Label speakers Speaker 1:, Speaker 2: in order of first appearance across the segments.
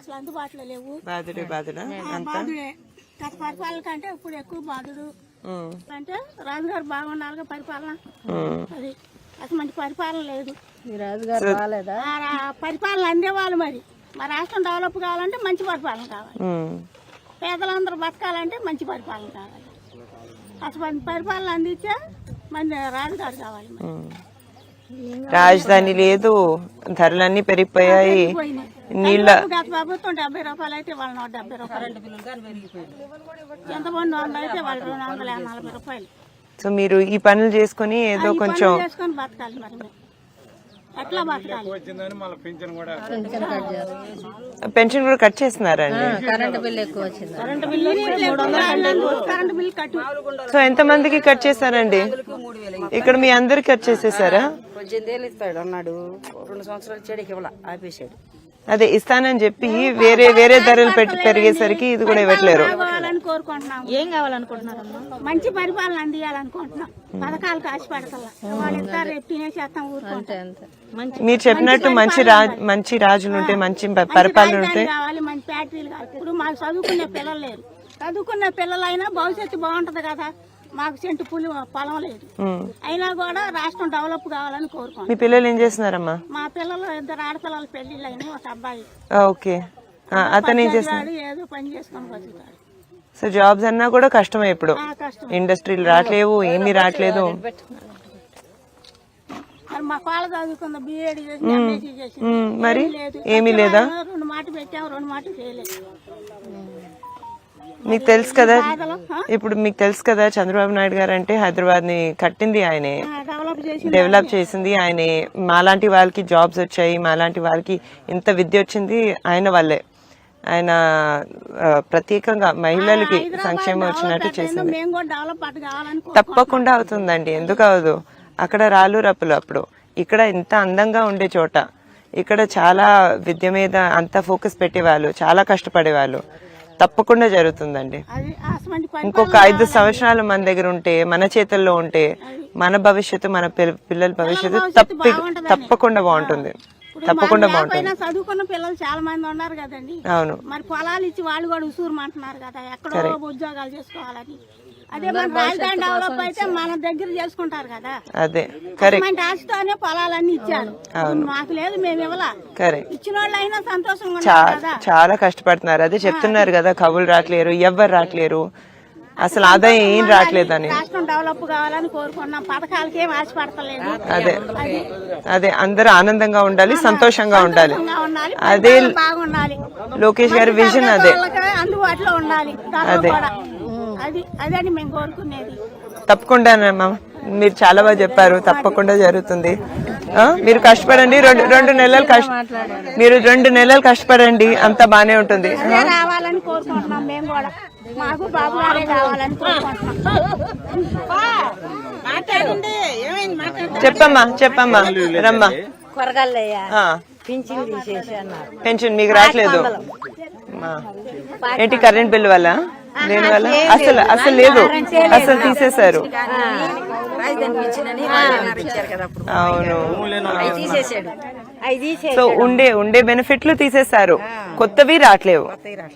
Speaker 1: అసలు అందుబాటులో లేవు.
Speaker 2: బాధుడే
Speaker 1: బాధుడే గత పరిపాలన కంటే ఇప్పుడు ఎక్కువ బాధుడు అంటే రాజుగారు బాగున్నారు పరిపాలన. అది అసలు మంచి పరిపాలన లేదు. పరిపాలన అందేవాళ్ళు మరి మా రాష్ట్రం డెవలప్ కావాలంటే మంచి పరిపాలన కావాలి. పేదలందరూ బతకాలంటే మంచి పరిపాలన కావాలి. అసలు పరిపాలన అందించే మంచి రాజుగారు కావాలి.
Speaker 2: రాజధాని లేదు, ధరలన్నీ పెరిగిపోయాయి. నీళ్ళ
Speaker 1: గత ప్రభుత్వం 70 రూపాయలు అయితే వాళ్ళు 170 రూపాయలు, ఎంతమంది వాళ్ళు అయితే వాళ్ళు 240 రూపాయలు.
Speaker 2: సో మీరు ఈ పనులు చేసుకుని ఏదో కొంచెం
Speaker 1: చేసుకొని బతకాలి. మరి ఎట్లా బతకాలి?
Speaker 2: పెన్షన్ కూడా కట్ చేస్తున్నారండి.
Speaker 3: కరెంట్ బిల్ ఎక్కువ వచ్చింది.
Speaker 1: కరెంట్ బిల్ కట్టు.
Speaker 2: సో ఎంత మందికి కట్ చేశారండి? ఇక్కడ మీ అందరికి కట్ చేసేసారా?
Speaker 3: 18 ఇస్తాడు అన్నాడు, 2 సంవత్సరాలు చెడికి ఇవ్వాల ఆపేసాడు.
Speaker 2: అదే ఇస్తానని చెప్పి వేరే వేరే ధరలు పెరిగేసరికి ఇది కూడా ఇవ్వట్లేరు.
Speaker 1: ఏం కావాలనుకుంటున్నారమ్మా? మంచి పరిపాలన అందియాలనుకుంటున్నాం. పథకాలు కాసి పెడతల్లా వాళ్ళు ఇస్తారు, రేపు తినేసేస్తాం ఊరుకుంటాం.
Speaker 2: మీరు చెప్పినట్టు మంచి రాజులు ఉంటే, మంచి పరిపాలన ఉంటే
Speaker 1: కావాలి, మంచి ఫ్యాక్టరీలు కావాలి. ఇప్పుడు మాకు చదువుకునే పిల్లలు లేరు. చదువుకున్న పిల్లలైనా భవిష్యత్తు బాగుంటది కదా. మాకు సెంటు పొలం లేదు, అయినా కూడా రాష్ట్రం డెవలప్ కావాలని కోరుకోండి.
Speaker 2: మీ పిల్లలు ఏం చేస్తున్నారమ్మా?
Speaker 1: మా పిల్లలు 2 ఆడపిల్లలు పెళ్లిళ్ళు అయినా, ఒక అబ్బాయి.
Speaker 2: ఓకే, అతను ఏం చేస్తున్నాడు?
Speaker 1: ఏదో పని చేసుకొని బతుకుతాడు.
Speaker 2: సో జాబ్స్ అన్నా కూడా కష్టమే ఇప్పుడు. ఇండస్ట్రీలు రావట్లేవు, ఏమీ రావట్లేదు.
Speaker 1: మరి మా కాళ్ళ చదువుకుందా, బిఏడ్ చేసి ఎంఎస్సీ చేసి,
Speaker 2: మరి ఏమీ లేదా?
Speaker 1: 2 మాటలు పెట్టాము, 2 మాటలు చేయలేదు.
Speaker 2: మీకు తెలుసు కదా, ఇప్పుడు మీకు తెలుసు కదా చంద్రబాబు నాయుడు గారు అంటే హైదరాబాద్ ని కట్టింది ఆయనే, డెవలప్ చేసింది ఆయనే. మాలాంటి వాళ్ళకి జాబ్స్ వచ్చాయి, మాలాంటి వాళ్ళకి ఇంత విద్య వచ్చింది ఆయన వల్లే. ఆయన ప్రత్యేకంగా మహిళలకి సంక్షేమం వచ్చినట్టు చేసింది. తప్పకుండా అవుతుందండి, ఎందుకు అవదు? అక్కడ రాళ్ళు రప్పులు అప్పుడు, ఇక్కడ ఇంత అందంగా ఉండే చోట ఇక్కడ చాలా విద్య మీద అంత ఫోకస్ పెట్టేవాళ్ళు, చాలా కష్టపడేవాళ్ళు. తప్పకుండా జరుగుతుందండి. ఇంకొక 5 సంవత్సరాలు మన దగ్గర ఉంటే, మన చేతుల్లో ఉంటే, మన భవిష్యత్తు, మన పిల్లల భవిష్యత్తు తప్పకుండా బాగుంటుంది. తప్పకుండా బాగుంటుంది.
Speaker 1: చదువుకున్న పిల్లలు చాలా మంది ఉన్నారు కదండి.
Speaker 2: అవును,
Speaker 1: మరి పొలాలు ఇచ్చి వాళ్ళు కూడా ఉసూరుమంటున్నారు కదా, ఎక్కడో ఉద్యోగాలు చేసుకోవాలని. అదే మన రాజధాని డెవలప్ అయితే మన దగ్గర చేసుకుంటారు కదా.
Speaker 2: అదే కరెక్ట్.
Speaker 1: ఆశతోనే పొలాలన్నీ ఇచ్చారు, మాకు లేదు, మేము ఇవ్వాల.
Speaker 2: కరెక్ట్.
Speaker 1: ఇచ్చిన వాళ్ళు అయినా సంతోషంగా
Speaker 2: చాలా కష్టపడుతున్నారు. అదే చెప్తున్నారు కదా, కవులు రావట్లేరు, ఎవ్వరు రావట్లేరు, అసలు ఆదాయం ఏం రావట్లేదని.
Speaker 1: రాష్ట్రం డెవలప్ కావాలని కోరుకున్నాం, పథకాలకి ఏం ఆశపడతలేదు.
Speaker 2: అదే అందరూ ఆనందంగా ఉండాలి, సంతోషంగా ఉండాలి. అదే
Speaker 1: బాగుండాలి.
Speaker 2: లోకేష్ గారి విజన్ అదే.
Speaker 1: అందుబాటులో ఉండాలి. అదే అదని మేము కోరుకునేది.
Speaker 2: తప్పకుండానమ్మా, మీరు చాలా బాగా చెప్పారు. తప్పకుండా జరుగుతుంది. మీరు కష్టపడండి, 2 నెలలు మీరు 2 నెలలు కష్టపడండి, అంతా బానే ఉంటుంది.
Speaker 1: రావాలని కోరుకుంటున్నాం మేము కూడా, మాకు బాబు గారే కావాలని కోరుకుంటున్నాం.
Speaker 2: చెప్పమ్మా రమ్మా. పెన్షన్ మీకు రావట్లేదు ఏంటి? కరెంట్ బిల్ వల్ల, దేని వల్ల? అసలు లేదు, అసలు తీసేశారు. అవును, సో ఉండే బెనిఫిట్లు తీసేశారు, కొత్తవి రావట్లేవు.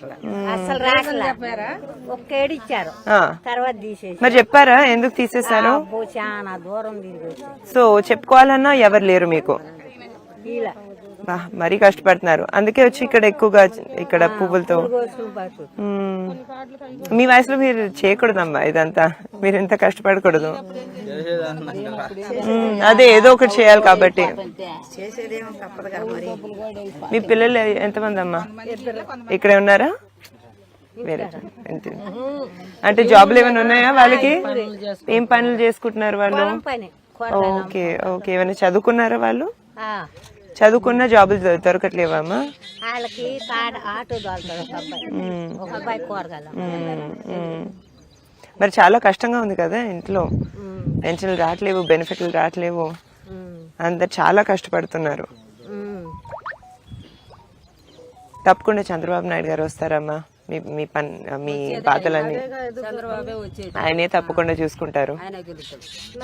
Speaker 2: మరి చెప్పారా ఎందుకు తీసేశారు? సో చెప్పుకోవాలన్నా ఎవరు లేరు మీకు, మరీ కష్టపడుతున్నారు. అందుకే వచ్చి ఇక్కడ ఎక్కువగా ఇక్కడ పువ్వులతో. మీ వయసులో మీరు చేయకూడదమ్మా ఇదంతా, మీరు ఎంత కష్టపడకూడదు. అదే ఏదో ఒకటి చేయాలి కాబట్టి. మీ పిల్లలు ఎంతమంది అమ్మా? ఇక్కడే ఉన్నారా? వేరే అంటే జాబ్లు ఏమైనా ఉన్నాయా వాళ్ళకి? ఏం పనులు చేసుకుంటున్నారు వాళ్ళు? ఓకే, ఏమైనా చదువుకున్నారా వాళ్ళు? చదువుకున్న జాబులు దొరకట్లేవమ్మా? మరి చాలా కష్టంగా ఉంది కదా ఇంట్లో, పెన్షన్లు రావట్లేవు, బెనిఫిట్లు రావట్లేవు, అందరు చాలా కష్టపడుతున్నారు. తప్పకుండా చంద్రబాబు నాయుడు గారు వస్తారమ్మా, మీ బాధలన్నీ ఆయనే తప్పకుండా చూసుకుంటారు.